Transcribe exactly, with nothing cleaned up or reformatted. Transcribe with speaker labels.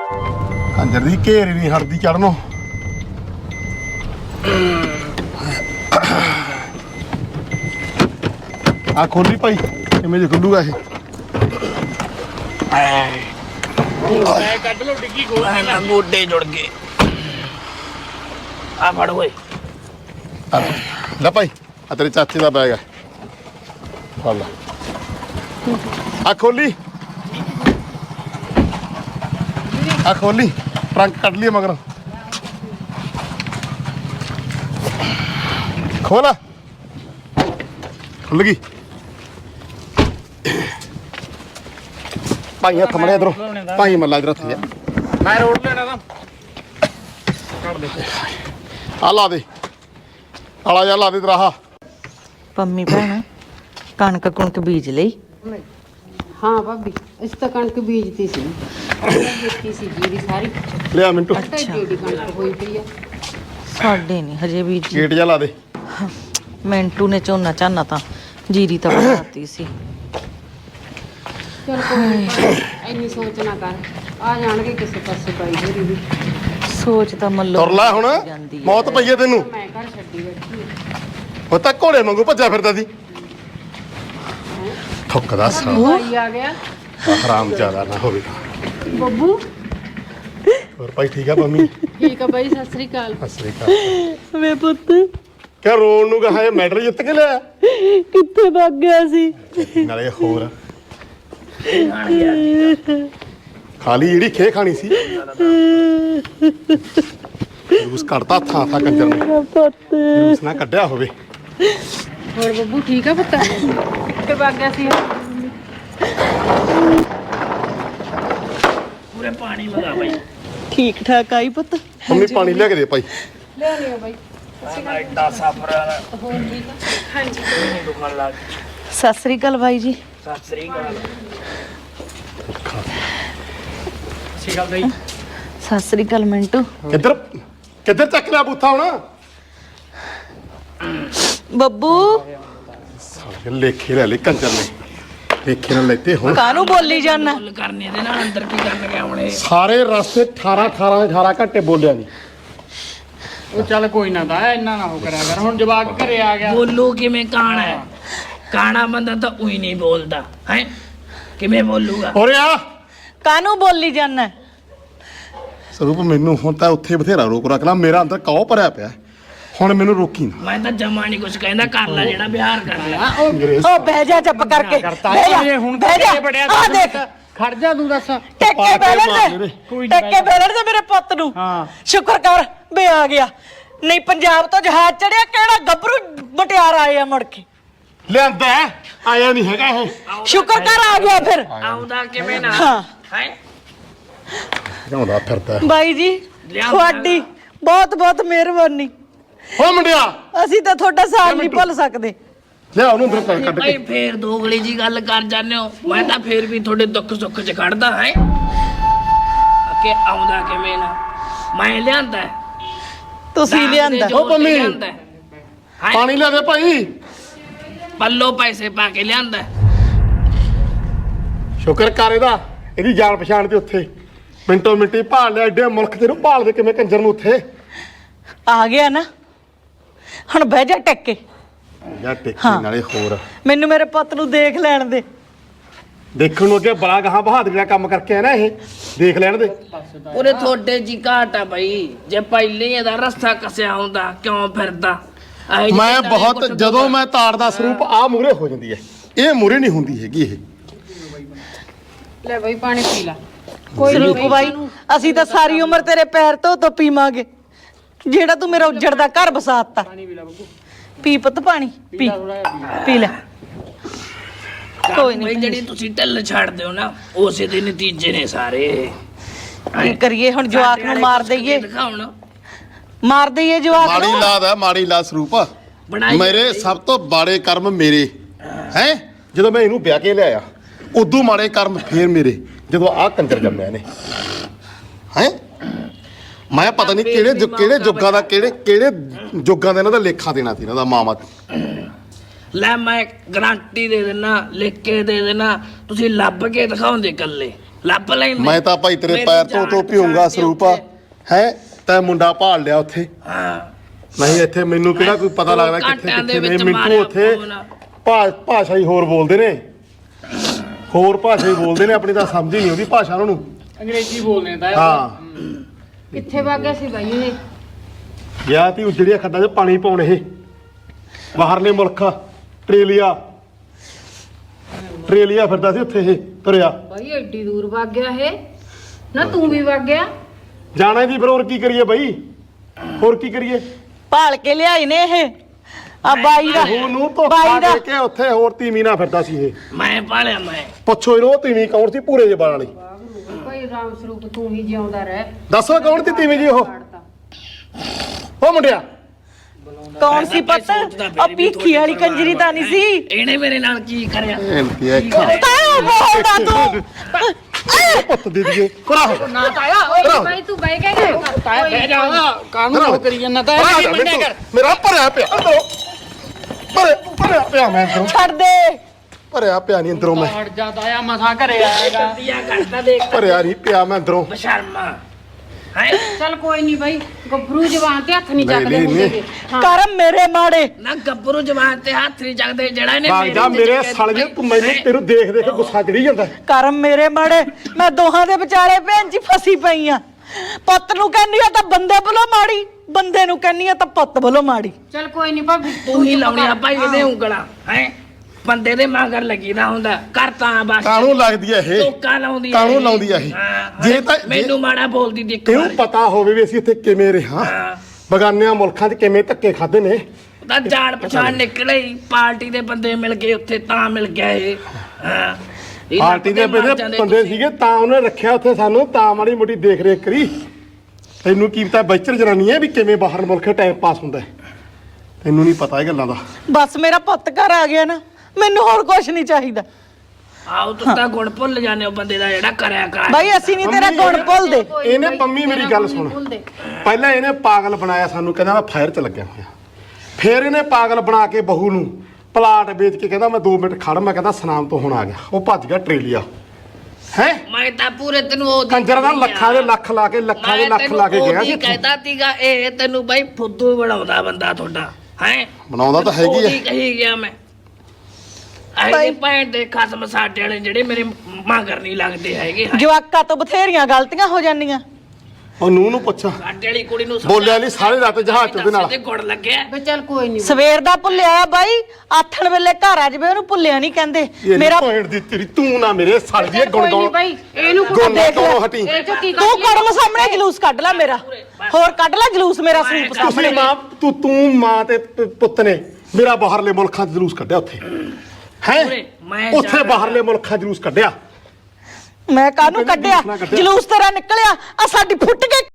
Speaker 1: ਕੰਜਰ ਦੀ ਘੇਰ ਨਹੀਂ ਹਟਦੀ ਚੜਨੋਂ। ਆ ਖੋਲੀ ਭਾਈ, ਕਿਵੇਂ ਜੇ ਖੁੱਲੂਗਾ ਇਹ?
Speaker 2: ਐ ਕੱਢ ਲੋ ਡਿੱਗੀ ਖੋਲ ਕੇ ਨਾ, ਗੋਡੇ ਜੁੜ ਗਏ। ਆ ਫੜ ਓਏ।
Speaker 1: ਲੈ ਭਾਈ, ਆ ਤੇਰੇ ਚਾਚੇ ਦਾ ਬੈਗ ਹੈ, ਫੜ ਲੈ। ਆ ਖੋਲੀ, ਆ ਖੋਲੀ, ਟਰੰਕ ਕੱਢ ਲਿਆ ਮਗਰ। ਖੋਲਾ, ਖੁੱਲ ਗਈ। ਭਾਈ ਹੱਥ ਮੜਿਆ ਇਧਰੋਂ, ਭਾਈ ਮੱਲਾ ਇਧਰ ਹੱਥ।
Speaker 2: ਮੈਂ ਰੋਡ ਲੈਣਾ ਤਾਂ ਕੱਢ ਦੇ।
Speaker 1: ਆ ਲਾ ਦੇ, ਆਲਾ ਜਾ ਲਾ ਦੇ ਤਰਾਹਾ।
Speaker 3: ਪੰਮੀ ਭੈਣ ਕਣਕ ਕੁਣਕ ਬੀਜ ਲਈ?
Speaker 4: ਹਾਂ ਭਾਬੀ, ਅਸੀਂ ਤਾਂ ਕਣਕ ਬੀਜਤੀ ਸੀ, ਬੀਜਤੀ ਸੀ ਜੀਰੀ ਸਾਰੀ।
Speaker 1: ਲਿਆ ਮਿੰਟੂ,
Speaker 4: ਅੱਛਾ ਜਿਹੜੀ ਕਣਕ ਹੋਈ ਪਈ ਆ।
Speaker 3: ਸਾਡੇ ਨਹੀਂ ਹਜੇ ਬੀਜੀ।
Speaker 1: ਗੇਟ ਜਾ ਲਾ ਦੇ।
Speaker 3: ਮਿੰਟੂ ਨੇ ਝੋਨਾ ਝਾਨਾ ਤਾਂ ਜੀਰੀ ਤਾਂ ਬਣਾਤੀ ਸੀ।
Speaker 4: ਚਲ ਕੋਈ ਨੀ, ਇੰਨੀ ਸੋਚ ਨਾ ਕਰ, ਆ ਜਾਣਗੇ ਕਿਸੇ ਪਾਸੇ ਪਾਈ ਜੀਰੀ ਵੀ।
Speaker 3: ਸੋਚ ਤਾਂ ਮੱਲੋ
Speaker 1: ਤੁਰ ਲੈ ਹੁਣ, ਮੌਤ ਪਈ ਹੈ ਤੈਨੂੰ।
Speaker 4: ਮੈਂ ਘਰ ਛੱਡੀ ਬੈਠੀ
Speaker 1: ਉਹ ਤਾਂ ਘੋੜੇ ਵਾਂਗੂ ਭੱਜਿਆ ਫਿਰਦਾ ਸੀ। ਠੁੱਕਦਾ ਸਾਲਾ,
Speaker 4: ਭਾਈ ਆ ਗਿਆ।
Speaker 1: ਹਰਾਮ ਜ਼ਿਆਦਾ ਨਾ ਹੋਵੇ।
Speaker 4: ਬੱਬੂ
Speaker 1: ਹੋਰ ਭਾਈ ਠੀਕ ਆ ਮੰਮੀ?
Speaker 4: ਠੀਕ ਆ ਬਾਈ, ਸਤਿ ਸ੍ਰੀ ਅਕਾਲ।
Speaker 1: ਸਤਿ ਸ੍ਰੀ ਅਕਾਲ।
Speaker 3: ਵੇ ਪੁੱਤ
Speaker 1: ਕਿਆ ਰੋਣ ਨੂੰ ਕਹਾ, ਇਹ ਮੈਡਲ ਜਿੱਤ ਕੇ ਲਿਆ?
Speaker 3: ਕਿੱਥੇ ਭੱਗ ਗਿਆ ਸੀ?
Speaker 1: ਨਾਲੇ ਹੋਰ ਖਾਲੀ ਜਿਹੜੀ ਖੇ ਖਾਣੀ ਸੀ, ਜੂਸ ਕੱਢਤਾ ਥਾਂ ਥਾਂ ਕੰਜਰ ਨੇ।
Speaker 3: ਪੁੱਤ
Speaker 1: ਜੂਸ ਨਾ ਕੱਢਿਆ ਹੋਵੇ।
Speaker 4: ਹੋਰ ਬੱਬੂ ਠੀਕ ਆ ਪੁੱਤ? ਕਿੱਥੇ ਵਗ ਗਿਆ ਸੀ?
Speaker 2: ਪੂਰੇ ਪਾਣੀ ਲਗਾ ਬਾਈ।
Speaker 3: ਠੀਕ ਠਾਕ ਆਈ ਪੁੱਤ?
Speaker 1: ਮੰਮੀ ਪਾਣੀ ਲਿਆ ਕੇ ਦੇ ਭਾਈ।
Speaker 4: ਲਿਆਉਣੀ ਆ ਬਾਈ।
Speaker 2: ਮੈਂ ਐਡਾ ਸਫਰ
Speaker 4: ਹੋਰ ਠੀਕ ਆ?
Speaker 2: ਹਾਂਜੀ ਨਹੀਂ ਦੁਕਾਨ ਲਾ।
Speaker 3: ਸਤਿ ਸ੍ਰੀ ਅਕਾਲ ਬਾਈ ਜੀ।
Speaker 2: ਸਤਿ ਸ੍ਰੀ ਅਕਾਲ। ਸਿਕਲ ਦਈ।
Speaker 3: ਸਤਿ ਸ੍ਰੀ ਅਕਾਲ ਮਿੰਟੂ।
Speaker 1: ਕਿੱਧਰ ਕਿੱਧਰ ਚੱਕ ਲਿਆ ਬੂਥਾ ਹੁਣ?
Speaker 3: ਬੱਬੂ
Speaker 1: ਸਾਲੇ ਲੇਖੇ ਲੈ ਲੈ ਕੰਜਰ ਨੇ, ਲੇਖੇ ਨਾਲ ਲੈਤੇ ਹੁਣ।
Speaker 3: ਕਾਹਨੂੰ ਬੋਲੀ ਜਾਨਾ?
Speaker 2: ਗੱਲ ਕਰਨੀ ਇਹਦੇ ਨਾਲ, ਅੰਦਰ ਕੀ ਕਰਨ ਗਿਆ ਹੁਣ ਇਹ?
Speaker 1: ਸਾਰੇ ਰਸਤੇ ਅਠਾਰਾਂ ਅਠਾਰਾਂ ਅਠਾਰਾਂ ਘੰਟੇ ਬੋਲਿਆ ਨਹੀਂ।
Speaker 5: ਉਹ ਚੱਲ ਕੋਈ ਨਾ ਦਾ ਇੰਨਾ ਨਾ ਹੋ ਕਰਿਆ ਕਰ, ਹੁਣ ਜਵਾਕ ਘਰੇ ਆ ਗਿਆ।
Speaker 2: ਬੋਲੂ ਕਿਵੇਂ? ਕਾਣਾ ਹੈ, ਕਾਣਾ ਬੰਦਾ ਤਾਂ ਉਹੀ ਨਹੀਂ ਬੋਲਦਾ ਹੈ, ਕਿਵੇਂ ਬੋਲੂਗਾ?
Speaker 1: ਔਰ ਆ
Speaker 3: ਕਾਹਨੂੰ ਬੋਲੀ ਜਾਨਾ?
Speaker 1: ਸਰੂਪ ਮੈਨੂੰ ਹੁਣ ਤਾਂ ਉੱਥੇ ਬਥੇਰਾ ਰੋਕ ਰੱਖ ਲਾ, ਮੇਰਾ ਅੰਦਰ ਕੌ ਭਰਿਆ ਪਿਆ, ਹੁਣ ਮੈਨੂੰ ਰੋਕੀ ਨਾ।
Speaker 2: ਮੈਂ ਤਾਂ ਜਮਾ ਨਹੀਂ ਕੁਝ ਕਹਿੰਦਾ, ਕਰ ਲੈ ਜਿਹੜਾ ਵਿਹਾਰ ਕਰ ਲਿਆ।
Speaker 3: ਓ ਬਹਿ ਜਾ ਚੁੱਪ ਕਰਕੇ। ਬਹਿ ਜਾ,
Speaker 5: ਹੁਣ
Speaker 3: ਬਹਿ ਜਾ।
Speaker 5: ਬੜਿਆ
Speaker 3: ਆ ਦੇਖ
Speaker 5: ਖੜ ਜਾ ਤੂੰ, ਦੱਸ।
Speaker 3: ਟੱਕੇ ਬੈਲਣ ਦੇ,
Speaker 5: ਕੋਈ ਨੀ
Speaker 3: ਟੱਕੇ ਬੈਲਣ ਦੇ ਮੇਰੇ ਪੁੱਤ ਨੂੰ।
Speaker 5: ਹਾਂ।
Speaker 3: ਸ਼ੁਕਰ ਕਰ ਬੇ ਆ ਗਿਆ, ਨਹੀਂ ਪੰਜਾਬ ਤੋਂ ਜਹਾਜ਼ ਚੜਿਆ ਕਿਹੜਾ ਗੱਭਰੂ ਮਟਿਆਰ ਆਏ ਆ ਮੁੜ ਕੇ।
Speaker 1: ਲਿਆਂਦਾ ਆਇਆ ਨਹੀਂ ਹੈਗਾ ਇਹ।
Speaker 3: ਸ਼ੁਕਰ ਕਰ ਆ ਗਿਆ ਫਿਰ।
Speaker 2: ਆਉਂਦਾ ਕਿਵੇਂ ਨਾ
Speaker 3: ਹਾਂ
Speaker 2: ਹੈ?
Speaker 1: ਜਾਉਂਦਾ ਫਿਰਦਾ
Speaker 3: ਬਾਈ ਜੀ,
Speaker 2: ਲਿਆਂਦਾ।
Speaker 3: ਤੁਹਾਡੀ ਬਹੁਤ ਬਹੁਤ ਮਿਹਰਬਾਨੀ।
Speaker 1: ਹੋ ਮੁੰਡਿਆ,
Speaker 3: ਅਸੀਂ ਤਾਂ ਤੁਹਾਡਾ ਸਾਥ ਨਹੀਂ ਭੁੱਲ ਸਕਦੇ।
Speaker 1: ਲਿਆ ਉਹਨੂੰ ਅੰਦਰ ਕੱਢ ਕੱਢ
Speaker 2: ਭਾਈ
Speaker 1: ਕੇ।
Speaker 2: ਫੇਰ ਦੋਗਲੀ ਜੀ ਗੱਲ ਕਰ ਜਾਂਦੇ ਹੋ, ਮੈਂ ਤਾਂ ਫੇਰ ਵੀ ਤੁਹਾਡੇ ਦੁੱਖ ਸੁੱਖ ਚ ਖੜਦਾ ਹੈ ਕਿ ਆਉਂਦਾ ਕਿਵੇਂ ਨਾ। ਮੈਂ ਲਿਆਂਦਾ ਹੈ।
Speaker 3: ਤੁਸੀਂ ਲਿਆਂਦਾ।
Speaker 1: ਉਹ ਪੰਮੀ।
Speaker 2: ਹੈ
Speaker 1: ਪਾਣੀ ਲਿਆ ਦੇ ਭਾਈ।
Speaker 2: ਪੱਲੋ ਪੈਸੇ ਪਾ ਕੇ ਲਿਆਂਦਾ ਹੈ।
Speaker 1: ਸ਼ੁਕਰ ਕਰ ਇਹਦਾ, ਇਹਦੀ ਜਾਣ ਪਛਾਣ ਤੇ ਉੱਥੇ ਮਿੰਟੋ ਮਿੰਟੀ ਭਾਲ ਲਿਆ। ਐਡੇ ਮੁਲਕ ਤੇ ਨੂੰ ਭਾਲਦੇ ਕਿਵੇਂ ਕੰਜਰ ਨੂੰ ਉੱਥੇ
Speaker 3: ਆ ਗਿਆ ਨਾ, ਹੁਣ ਬਹਿ ਜਾ ਟੱਕੇ।
Speaker 1: ਜਾਂ ਟੇਕੀ ਨਾਲੇ ਹੋਰ
Speaker 3: ਮੈਨੂੰ ਮੇਰੇ ਪੁੱਤ ਨੂੰ ਦੇਖ ਲੈਣ ਦੇ।
Speaker 1: ਦੇਖਣ ਨੂੰ ਅੱਗੇ ਬੜਾ ਗਾਹਾਂ ਬਹਾਦਰੀ ਦਾ ਕੰਮ ਕਰਕੇ ਆ ਨਾ ਇਹ, ਦੇਖ ਲੈਣ ਦੇ।
Speaker 2: ਉਹਨੇ ਤੁਹਾਡੇ ਜੀ ਘਾਟ ਆ ਬਈ, ਜੇ ਪਹਿਲੇ ਹੀ ਇਹਦਾ ਰਸਤਾ ਕਸਿਆ ਹੁੰਦਾ ਕਿਉਂ ਫਿਰਦਾ? ਇਹੋ ਜਿਹੇ
Speaker 1: ਮੈਂ
Speaker 2: ਡਾਲੇ
Speaker 1: ਬਹੁਤ
Speaker 2: ਕੁੱਟ
Speaker 1: ਜਦੋਂ ਮੈਂ ਤਾੜ ਦਾ ਸਰੂਪ ਆ ਮੂਰੇ ਹੋ ਜਾਂਦੀ ਹੈ, ਇਹ ਮੂਰੇ ਨਹੀਂ ਹੁੰਦੀ ਹੈਗੀ ਇਹ।
Speaker 4: ਲੈ ਬਾਈ ਪਾਣੀ ਪੀ ਲੈ।
Speaker 3: ਕੋਈ ਸਰੂਪ ਬਾਈ, ਅਸੀਂ ਤਾਂ ਸਾਰੀ ਉਮਰ ਤੇਰੇ ਪੈਰ ਤੋਂ ਤੋਂ ਪੀਵਾਂਗੇ, ਜਿਹੜਾ ਤੂੰ ਮੇਰਾ ਉੱਜੜਦਾ ਘਰ ਬਸਾਤਾ। ਪੀ ਪੁੱਤ ਪਾਣੀ, ਪੀ ਪੀ ਲੈ। ਕੋਈ
Speaker 2: ਬਈ
Speaker 3: ਨਹੀਂ,
Speaker 2: ਜਿਹੜੀ ਤੁਸੀਂ ਢਿੱਲ ਛੱਡਦੇ ਹੋ ਨਾ, ਉਸੇ ਦੇ ਨਤੀਜੇ ਨੇ ਸਾਰੇ।
Speaker 3: ਕੀ ਕਰੀਏ ਹੁਣ? ਜਵਾਕ ਨੂੰ ਮਾਰ ਦਈਏ,
Speaker 2: ਦਿਖਾਉਣ
Speaker 3: ਮਾਰ ਦਈਏ ਜਵਾਕ
Speaker 1: ਮਾੜੀ
Speaker 3: ਨੂੰ।
Speaker 1: ਲਾਦ ਹੈ, ਮਾੜੀ ਲਾ ਸਰੂਪ।
Speaker 2: ਬਣਾਈ
Speaker 1: ਮੇਰੇ ਸਭ ਤੋਂ ਬਾੜੇ ਕਰਮ ਮੇਰੇ ਹੈ ਜਦੋਂ ਮੈਂ ਇਹਨੂੰ ਵਿਆਹ ਕੇ ਲਿਆਇਆ, ਉਦੋਂ ਮਾੜੇ ਕਰਮ ਫੇਰ ਮੇਰੇ ਜਦੋਂ ਆਹ ਕੰਜਰ ਜੰਮਿਆ ਨੇ ਹੈ। ਮੈਂ ਪਤਾ ਨਹੀਂ ਕਿਹੜੇ ਜੋ ਕਿਹੜੇ ਜੁੱਗਾਂ ਦਾ ਕਿਹੜੇ ਕਿਹੜੇ ਜੁੱਗਾਂ ਦਾ ਇਹਨਾਂ ਦਾ ਲੇਖਾ ਦੇਣਾ ਸੀ ਇਹਨਾਂ ਦਾ ਮਾਮਾ।
Speaker 2: ਲੈ ਮੈਂ ਗਰੰਟੀ ਦੇ ਦੇਣਾ, ਲਿਖ ਕੇ ਦੇ ਦੇਣਾ, ਤੁਸੀਂ ਲੱਭ ਕੇ ਦਿਖਾਉਂਦੇ ਕੱਲੇ। ਲੱਭ ਲੈਂਦੇ
Speaker 1: ਮੈਂ ਤਾਂ ਭਾਈ ਤੇਰੇ
Speaker 2: ਮੇਰੀ
Speaker 1: ਪੈਰ ਤੋਂ ਤੋਂ
Speaker 2: ਜਾਨ
Speaker 1: ਪੀਉਂਗਾ
Speaker 2: ਪਛਾਣ ਦੇ
Speaker 1: ਸਰੂਪਾ
Speaker 2: ਉੱਤੇ।
Speaker 1: ਹੈ ਤੈਂ ਮੁੰਡਾ ਭਾਲ ਲਿਆ ਉੱਥੇ
Speaker 2: ਹਾਂ
Speaker 1: ਨਹੀਂ ਇੱਥੇ ਮੈਨੂੰ ਕਿਹੜਾ ਕੋਈ ਪਤਾ
Speaker 2: ਦੋ
Speaker 1: ਲੱਗਦਾ ਕਿੱਥੇ
Speaker 2: ਘੰਟਿਆਂ ਦੇ
Speaker 1: ਕਿੱਥੇ ਨੇ
Speaker 2: ਵਿੱਚ
Speaker 1: ਮਿੰਟੂ
Speaker 2: ਮਾਰਿਆ
Speaker 1: ਉੱਥੇ
Speaker 2: ਫੋਨ।
Speaker 1: ਭਾ- ਭਾਸ਼ਾ ਹੀ ਹੋਰ ਬੋਲਦੇ ਨੇ ਹੋਰ ਭਾਸ਼ਾ ਹੀ ਬੋਲਦੇ ਨੇ ਆਪਣੀ ਤਾਂ ਸਮਝ ਹੀ ਨਹੀਂ ਆਉਂਦੀ ਭਾਸ਼ਾ ਉਹਨਾਂ ਨੂੰ
Speaker 5: ਅੰਗਰੇਜ਼ੀ ਬੋਲਦੇ ਤਾਂ
Speaker 1: ਹਾਂ
Speaker 4: ਕਿੱਥੇ ਵਗ ਗਿਆ ਸੀ ਬਾਈ ਇਹ
Speaker 1: ਗਿਆ ਤੀ ਉਜੜੀਆਂ ਖੱਡਾਂ 'ਚ ਪਾਣੀ ਪਾਉਣ ਇਹ ਬਾਹਰਲੇ ਮੁਲਕ ਆਸਟ੍ਰੇਲੀਆ ਆਸਟ੍ਰੇਲੀਆ ਫਿਰਦਾ ਸੀ ਉੱਥੇ ਇਹ ਤੁਰਿਆ
Speaker 4: ਬਾਈ ਐਡੀ ਦੂਰ ਵਗ ਗਿਆ ਇਹ ਨਾ ਤੂੰ ਵੀ ਵਗ ਗਿਆ
Speaker 1: ਜਾਣਾ ਦੀ ਫਿਰ ਹੋਰ ਕੀ ਕਰੀਏ ਬਾਈ ਹੋਰ ਕੀ ਕਰੀਏ
Speaker 3: ਭਾਲ ਕੇ ਲਿਆਏ ਨੇ ਇਹ ਆ ਬਾਈ ਦਾ
Speaker 1: ਉਹਨੂੰ ਧੋਖਾ
Speaker 3: ਬਾਈ ਦਾ
Speaker 1: ਦੇ ਕੇ ਉੱਥੇ ਹੋਰ ਤੀਵੀਂ ਨਾਲ ਫਿਰਦਾ ਸੀ ਇਹ
Speaker 2: ਮੈਂ ਪਾਲਿਆ ਮੈਂ
Speaker 1: ਪੁੱਛੋ ਇਹਨੂੰ ਉਹ ਤੀਵੀਂ ਕੌਣ ਸੀ ਪੂਰੇ ਜਬਾਨ ਵਾਲੀ
Speaker 4: ਭਾਈ ਰਾਮ ਸਰੂਪ ਤੂੰ ਹੀ ਜਿਉਂਦਾ ਰਹਿ
Speaker 1: ਦੱਸੋ ਕੌਣ ਸੀ ਤੀਵੀਂ ਜੀ ਉਹ ਉਹ ਮੁੰਡਿਆ
Speaker 3: ਕੌਣ ਸੀ ਪੁੱਤ ਉਹ ਪੀਖੀ ਵਾਲੀ ਕੰਜਰੀ ਤਾਂ ਨਹੀਂ ਸੀ
Speaker 2: ਇਹਨੇ ਮੇਰੇ ਨਾਲ ਕੀ ਕਰਿਆ
Speaker 3: ਤਾਂ ਬੋਲਦਾ ਤੂੰ
Speaker 1: ਪੁੱਤ ਦੇ ਦੀਏ ਕਰਾ ਹੋ
Speaker 4: ਨਾ ਤਾਇਆ ਓਏ ਬਾਈ ਤੂੰ ਬਹਿ ਕੇ ਗਏ
Speaker 5: ਤਾਇਆ ਬਹਿ ਜਾ ਕਾਨੂੰਨ ਉਹ ਕਰੀ ਜਾਂਦਾ ਤਾਂ
Speaker 1: ਭਰਾ
Speaker 5: ਇਹ
Speaker 1: ਜਾ
Speaker 5: ਮੰਨਿਆ ਕਰ
Speaker 1: ਮੈਨੂੰ। ਮੇਰਾ ਭਰਿਆ ਪਿਆ ਅੰਦਰੋਂ ਭਰਿਆ ਭਰਿਆ ਪਿਆ ਮੈਂ ਅੰਦਰੋਂ
Speaker 3: ਛੱਡ ਦੇ
Speaker 1: ਭਰਿਆ ਪਿਆ ਨਹੀਂ ਅੰਦਰੋਂ ਮੈਂ
Speaker 5: ਹਟ ਜਾ ਤਾਇਆ ਮਸਾਂ ਘਰੇ ਆਏਗਾ
Speaker 2: ਦਿਆ ਕਰਦਾ ਦੇਖ
Speaker 1: ਭਰਿਆ ਨਹੀਂ ਪਿਆ ਮੈਂ ਅੰਦਰੋਂ
Speaker 2: ਬਸ਼ਰਮਾ ਹੈ
Speaker 4: ਚੱਲ ਕੋਈ ਨਹੀਂ ਬਾਈ ਗੱਭਰੂ ਜਵਾਨ ਤੇ ਹੱਥ ਨਹੀਂ
Speaker 1: ਨਹੀਂ,
Speaker 4: ਚੱਕਦੇ
Speaker 1: ਨਹੀਂ,
Speaker 4: ਹੁੰਦੇ
Speaker 1: ਨਹੀਂ।
Speaker 4: ਗੇ। ਹਾਂ
Speaker 3: ਕਰਮ ਮੇਰੇ ਮਾੜੇ
Speaker 2: ਨਾ ਗੱਭਰੂ ਜਵਾਨ ਤੇ ਹੱਥ ਨਹੀਂ ਚੱਕਦੇ ਜਿਹੜਾ ਇਹਨੇ
Speaker 1: ਭਾਗ ਜਾ
Speaker 2: ਮੇਰੀ
Speaker 1: ਮੇਰੇ
Speaker 2: ਜ਼ਿੰਦਗੀ
Speaker 1: ਸਾਲੇ ਤੂੰ ਮੈਨੂੰ
Speaker 2: ਹੈਂ?
Speaker 1: ਤੈਨੂੰ ਦੇਖ ਦੇਖ ਕੇ ਗੁੱਸਾ ਚੜੀ ਜਾਂਦਾ
Speaker 3: ਕਰਮ ਮੇਰੇ ਮਾੜੇ ਮੈਂ ਦੋਹਾਂ ਦੇ ਵਿਚਾਲੇ ਭੈਣ ਜੀ ਫਸੀ ਪਈ ਆ ਪੁੱਤ ਨੂੰ ਕਹਿੰਨੀ ਆ ਤਾਂ ਬੰਦੇ ਵੱਲੋਂ ਮਾੜੀ ਬੰਦੇ ਨੂੰ ਕਹਿੰਨੀ ਆ ਤਾਂ ਪੁੱਤ ਵੱਲੋਂ ਮਾੜੀ
Speaker 4: ਚੱਲ ਕੋਈ ਨਹੀਂ ਭਾਬੀ
Speaker 2: ਤੂੰ ਹੀ
Speaker 4: ਚੁੱਪ
Speaker 2: ਲਾਉਣੀ ਆ
Speaker 4: ਕਰ।
Speaker 2: ਭਾਈ ਇਹਦੇ ਉਂਗਲਾਂ ਹੈ ਬੰਦੇ ਦੇ ਮਗਰ ਲੱਗੀਦਾ ਹੁੰਦਾ ਕਰ ਤਾਂ ਬਸ
Speaker 1: ਕਾਹਨੂੰ ਲੱਗਦੀ ਐ ਇਹ
Speaker 2: ਲੋਕਾਂ ਲਾਉਂਦੀ
Speaker 1: ਕਾਹਨੂੰ ਲਾਉਂਦੀ ਆ ਇਹ?
Speaker 2: ਹਾਂ,
Speaker 1: ਜੇ ਤਾਂ-
Speaker 2: ਮੈਨੂੰ ਮਾੜਾ ਬੋਲਦੀ ਦੇਖ
Speaker 1: ਤੈਨੂੰ ਪਤਾ ਹੋਵੇ ਵੀ ਅਸੀਂ ਇੱਥੇ ਕਿਵੇਂ ਰਿਹਾ
Speaker 2: ਹਾਂ।
Speaker 1: ਬਗਾਨਿਆਂ ਮੁਲਕਾਂ 'ਚ ਕਿਵੇਂ ਧੱਕੇ ਖਾਦੇ ਨੇ
Speaker 2: ਤਾਂ ਜਾਣ ਪਛਾਣ ਨਿਕਲੇ ਹੀ ਪਾਰਟੀ ਦੇ ਬੰਦੇ ਮਿਲ ਗਏ ਉੱਥੇ ਤਾਂ ਮਿਲ ਗਿਆ ਇਹ ਹਾਂ ਇਹ
Speaker 1: ਪਾਰਟੀ ਦੇ
Speaker 2: ਲੱਭਦੇ ਮਰ
Speaker 1: ਬੰਦੇ
Speaker 2: ਜਾਂਦੇ
Speaker 1: ਬੰਦੇ
Speaker 2: ਤੁਸੀਂ।
Speaker 1: ਸੀਗੇ ਤਾਂ ਉਹਨੇ ਰੱਖਿਆ ਉੱਥੇ ਸਾਨੂੰ ਤਾਂ ਮਾੜੀ ਮੋਟੀ ਦੇਖ ਰੇਖ ਕਰੀ ਤੈਨੂੰ ਕੀ ਪਤਾ ਬੱਚਰ ਜਨਾਨੀ ਹੈ ਵੀ ਕਿਵੇਂ ਬਾਹਰ ਮੁਲਕ ਟਾਈਮ ਪਾਸ ਹੁੰਦਾ ਹੈ। ਤੈਨੂੰ ਨਹੀਂ ਪਤਾ ਇਹ ਗੱਲਾਂ ਦਾ
Speaker 3: ਬਸ ਮੇਰਾ ਪੁੱਤ ਘਰ ਆ ਗਿਆ ਨਾ ਮੈਨੂੰ ਹੋਰ ਕੁਝ ਨਹੀਂ ਚਾਹੀਦਾ
Speaker 2: ਆਓ ਤੁਸੀਂ ਤਾਂ ਗੁਣ ਭੁੱਲ ਜਾਂਦੇ ਹੋ ਬੰਦੇ ਦਾ ਜਿਹੜਾ ਕਰਿਆ ਕਰਾ
Speaker 3: ਬਾਈ ਅਸੀਂ ਨਹੀਂ ਤੇਰਾ ਗੁਣ ਭੁੱਲਦੇ
Speaker 4: ਕੋਈ ਨੀ
Speaker 1: ਇਹਨੇ
Speaker 4: ਬਾਈ,
Speaker 1: ਪੰਮੀ ਮੇਰੀ
Speaker 4: ਤੇਰਾ
Speaker 1: ਗੱਲ
Speaker 4: ਕੋਈ ਨੀ
Speaker 1: ਸੁਣ
Speaker 4: ਭੁੱਲਦੇ।
Speaker 1: ਪਹਿਲਾਂ ਇਹਨੇ ਪਾਗਲ ਬਣਾਇਆ ਸਾਨੂੰ ਕਹਿੰਦਾ ਮੈਂ ਫਾਇਰ 'ਚ ਲੱਗਿਆ ਹੋਇਆ ਫਿਰ ਇਹਨੇ ਪਾਗਲ ਬਣਾ ਕੇ ਬਹੂ ਨੂੰ ਪਲਾਟ ਵੇਚ ਕੇ ਕਹਿੰਦਾ ਮੈਂ ਦੋ ਮਿੰਟ ਖੜ ਮੈਂ ਕਹਿੰਦਾ ਸਨਾਮ ਤੋਂ ਹੁਣ ਆ ਗਿਆ ਉਹ ਭੱਜ ਗਿਆ ਆਸਟ੍ਰੇਲੀਆ ਹੈ
Speaker 2: ਮੈਂ ਤਾਂ ਪੂਰੇ ਤੈਨੂੰ ਉਹ
Speaker 1: ਕੰਜਰ ਦਾ ਲੱਖਾਂ ਦੇ ਲੱਖ ਲਾ ਕੇ ਲੱਖਾਂ ਦੇ ਲੱਖ ਲਾ ਕੇ ਗਿਆ ਸੀ ਇੱਥੋਂ।
Speaker 2: ਕਹਿੰਦਾ ਤੀਗਾ ਇਹ ਤੈਨੂੰ ਬਾਈ ਫੁੱਦੂ ਬਣਾਉਂਦਾ ਬੰਦਾ ਤੁਹਾਡਾ ਹੈ
Speaker 1: ਬਣਾਉਂਦਾ ਤਾਂ ਹੈਗੀ
Speaker 2: ਉਹਦੀ
Speaker 1: ਹੈ
Speaker 2: ਕਹੀ ਗਿਆ ਮੈਂ ਆਏ
Speaker 3: ਬਾਈ-
Speaker 2: ਭੈਣ ਦੇ ਖਸਮ ਸਾਡੇ ਵਾਲੇ ਜਿਹੜੇ ਮੇਰੇ ਮਗਰ ਨਹੀਂ ਲੱਗਦੇ ਹੈਗੇ ਹਾਏ,
Speaker 3: ਜਵਾਕਾਂ ਤੋਂ ਬਥੇਰੀਆਂ ਗਲਤੀਆਂ ਹੋ ਜਾਂਦੀਆਂ
Speaker 1: ਉਹ ਨੂੰਹ ਨੂੰ ਪੁੱਛ
Speaker 2: ਸਾਡੇ ਵਾਲੀ ਕੁੜੀ ਨੂੰ ਸਮਝਾ-
Speaker 1: ਬੋਲਿਆ ਨਹੀਂ ਸਾਰੇ ਰਾਤ ਜਹਾਜ਼ 'ਚ ਉਹਦੇ ਨਾਲ
Speaker 2: ਤੇ ਗੁੜ ਲੱਗਿਆ
Speaker 4: ਬਈ ਚੱਲ ਕੋਈ ਨਹੀਂ
Speaker 3: ਸਵੇਰ ਦਾ ਭੁੱਲਿਆ ਆ ਬਾਈ ਆਥਣ ਵੇਲੇ ਘਰ ਆ ਜਵੇ ਉਹਨੂੰ ਭੁੱਲਿਆ ਨਹੀਂ ਕਹਿੰਦੇ
Speaker 1: ਮੇਰਾ
Speaker 3: ਮੇਰਾ
Speaker 1: ਪੁਆਇੰਟ ਦੀ ਤੇਰੀ ਤੂੰ ਨਾ ਮੇਰੇ ਸਾਲ ਦੀ
Speaker 4: ਚੱਲ ਕੋਈ
Speaker 1: ਗੁਣ
Speaker 4: ਨਹੀਂ
Speaker 1: ਗਾਉਣ
Speaker 4: ਬਾਈ ਇਹਨੂੰ ਕੁਛ
Speaker 1: ਗੁਣ
Speaker 3: ਦੇਖ ਲੈ।
Speaker 1: ਗਾਉਣੋਂ ਹਟੀ
Speaker 4: ਇਹ ਚੋਂ ਕੀ
Speaker 3: ਤੂੰ ਕੜਮ ਸਾਹਮਣੇ ਜਲੂਸ ਕੱਢ ਲੈ ਮੇਰਾ ਹੋਰ ਕੱਢ ਲੈ ਜਲੂਸ ਮੇਰਾ ਸਰੂਪ
Speaker 1: ਤੁਸੀਂ
Speaker 3: ਸਾਹਮਣੇ
Speaker 1: ਮਾਂ ਤੂੰ ਤੂੰ ਮਾਂ ਤੇ ਪ- ਪੁੱਤ ਨੇ ਮੇਰਾ ਬਾਹਰਲੇ ਮੁਲਕਾਂ 'ਚ ਜਲੂਸ ਕੱਢਿਆ ਉੱਥੇ ਹੈ
Speaker 2: ਉਰੇ, ਮੈਂ
Speaker 1: ਉੱਥੇ
Speaker 2: ਜਾਣਾ।
Speaker 1: ਬਾਹਰਲੇ ਮੁਲਕਾਂ 'ਚ ਜਲੂਸ ਕੱਢਿਆ
Speaker 3: ਮੈਂ ਕਾਹਨੂੰ
Speaker 1: ਕਹਿੰਦੀ
Speaker 3: ਕੱਢਿਆ
Speaker 1: ਜਲੂਸ ਨਾ ਕੱਢਿਆ।
Speaker 3: ਜਲੂਸ ਤੇਰਾ ਨਿਕਲਿਆ ਆ ਸਾਡੀ ਫੁੱਟ ਕੇ